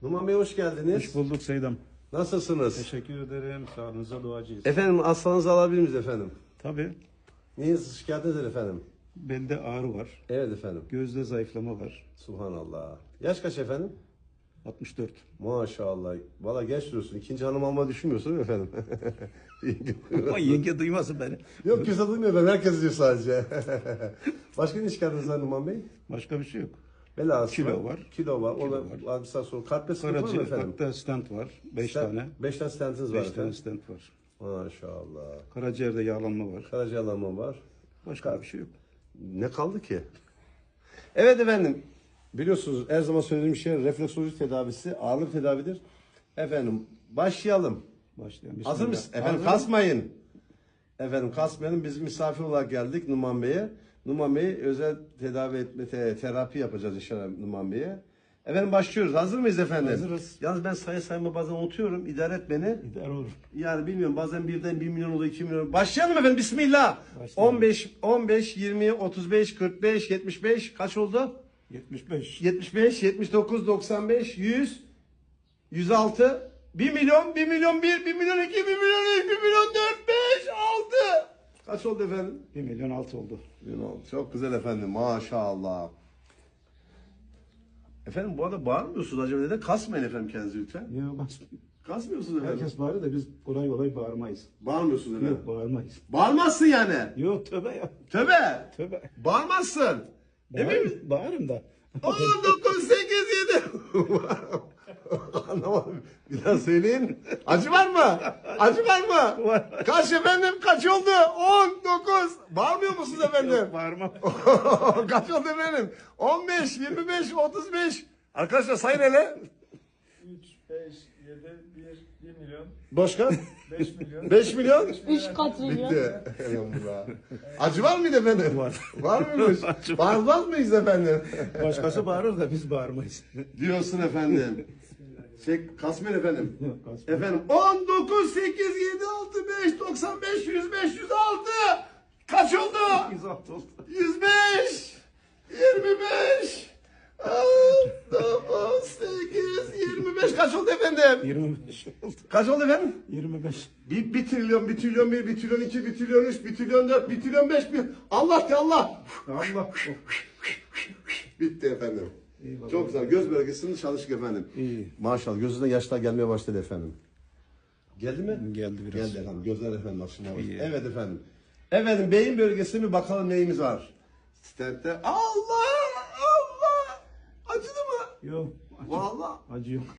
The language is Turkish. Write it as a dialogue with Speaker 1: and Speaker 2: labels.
Speaker 1: Numan Bey hoş geldiniz.
Speaker 2: Hoş bulduk Seydam.
Speaker 1: Nasılsınız?
Speaker 2: Teşekkür ederim. Sağlığınıza duacıyız.
Speaker 1: Efendim hastanızı alabilir miyiz efendim?
Speaker 2: Tabii.
Speaker 1: Neyiniz şikayetiniz efendim?
Speaker 2: Belde ağrı var.
Speaker 1: Evet efendim.
Speaker 2: Gözde zayıflama var.
Speaker 1: Subhanallah. Yaş kaç efendim?
Speaker 2: 64.
Speaker 1: Maşallah. Valla genç duruyorsun. İkinci hanım alma düşünmüyorsun değil mi efendim?
Speaker 2: Ama yenge duymasın beni.
Speaker 1: Yok kimse duymuyor ben. Herkes diyor sadece. Başka ne şikayetiniz var Numan Bey?
Speaker 2: Başka bir şey yok.
Speaker 1: Bel ağrısı
Speaker 2: Kilo var.
Speaker 1: Kilo var.
Speaker 2: Kilo
Speaker 1: Ona
Speaker 2: var.
Speaker 1: bir saat sonra kalple sıkıntı var mı
Speaker 2: Karaciğer
Speaker 1: efendim?
Speaker 2: kalpte stent var. 5 tane.
Speaker 1: 5 tane stentiniz var
Speaker 2: 5 tane
Speaker 1: efendim.
Speaker 2: stent var.
Speaker 1: Maşallah.
Speaker 2: Karaciğerde yağlanma var.
Speaker 1: Karaciğerlanma var.
Speaker 2: Başka bir şey yok.
Speaker 1: Ne kaldı ki? Evet efendim. Biliyorsunuz her zaman söylediğim şey refleksoloji tedavisi ağırlık tedavidir. Efendim başlayalım.
Speaker 2: Başlayalım.
Speaker 1: Hazır mısınız?
Speaker 2: Bismillah.
Speaker 1: Efendim
Speaker 2: Hazır.
Speaker 1: kasmayın. Efendim kasmayalım. Biz misafir olarak geldik Numan Bey'e. Numan Bey özel tedavi etme, terapi yapacağız inşallah Numan Bey'e. Efendim başlıyoruz. Hazır mıyız efendim?
Speaker 2: Hazırız.
Speaker 1: Yalnız ben sayma bazen unutuyorum. İdare et beni.
Speaker 2: İdare olur.
Speaker 1: Yani bilmiyorum bazen birden 1 milyon oluyor 2 milyon. Başlayalım efendim bismillah.
Speaker 2: Başlayalım.
Speaker 1: 15, 20, 35, 45, 75 kaç oldu?
Speaker 2: 75.
Speaker 1: 75, 79, 95, 100, 106, 1 milyon, 1 milyon 1, 1 milyon 2, 1 milyon 3, 1 milyon 4, 5, 6. Kaç oldu efendim?
Speaker 2: 1 milyon 6 oldu.
Speaker 1: 1 milyon 6. Çok güzel efendim maşallah. Efendim bu arada bağırmıyorsunuz acaba neden? Kasmayın efendim kendinizi lütfen.
Speaker 2: Yok,
Speaker 1: Kasmıyorsunuz efendim.
Speaker 2: herkes bağırır da biz kolay bağırmayız.
Speaker 1: Bağırmıyorsunuz efendim.
Speaker 2: Yok, bağırmayız.
Speaker 1: Bağırmazsın yani.
Speaker 2: Yok, tövbe ya.
Speaker 1: Tövbe.
Speaker 2: Tövbe.
Speaker 1: Bağırmazsın. Emin misin?
Speaker 2: Bağırırım da.
Speaker 1: 10, 9, 8, 7. Anlamadım. Bir daha söyleyin. Acı var mı? Acı var mı?
Speaker 2: Var.
Speaker 1: Kaç efendim? Kaç oldu? 10, 9. Bağırmıyor musunuz efendim?
Speaker 2: Yok, bağırmam.
Speaker 1: Kaç oldu efendim? 15, 25, 35. Arkadaşlar sayın hele.
Speaker 3: 3, 5, 7, 1 milyon,
Speaker 1: Başka?
Speaker 3: 5 milyon.
Speaker 1: 5 milyon?
Speaker 4: 3 katrilyon.
Speaker 1: Bitti. Elhamdülillah. Acı var mıydı efendim?
Speaker 2: Var.
Speaker 1: Var mıymış? Bağırmaz mıyız efendim?
Speaker 2: Başkası bağırır da biz bağırmayız.
Speaker 1: Diyorsun efendim. Kasmayın efendim.
Speaker 2: Yok, kasmayın.
Speaker 1: Efendim 19, 8, 7, 6, 5, 95, 100, 506. Kaç oldu?
Speaker 2: 106 oldu.
Speaker 1: 105, 25, 9, 8, 25. Kaç oldu efendim?
Speaker 2: 25 oldu.
Speaker 1: Kaç oldu efendim?
Speaker 2: 25.
Speaker 1: 1 trilyon, 1 trilyon 1, 1 trilyon 2, 1 trilyon 3, 1 trilyon 4, 1 trilyon 5, 1. Allah de Allah.
Speaker 2: Allah.
Speaker 1: Bitti efendim.
Speaker 2: İyi baba.
Speaker 1: Çok güzel. Göz bölgesinde çalıştık efendim.
Speaker 2: İyi.
Speaker 1: Maşallah gözünden yaşlar gelmeye başladı efendim. Geldi mi?
Speaker 2: Geldi biraz.
Speaker 1: Geldi efendim. Gözler efendim açılmaya başladı.
Speaker 2: İyi.
Speaker 1: Evet efendim. Efendim beyin bölgesinde bir bakalım neyimiz var. Stentte. Allah! Allah! Acıdı mı?
Speaker 2: Yok.
Speaker 1: Vallahi.
Speaker 2: Acı yok.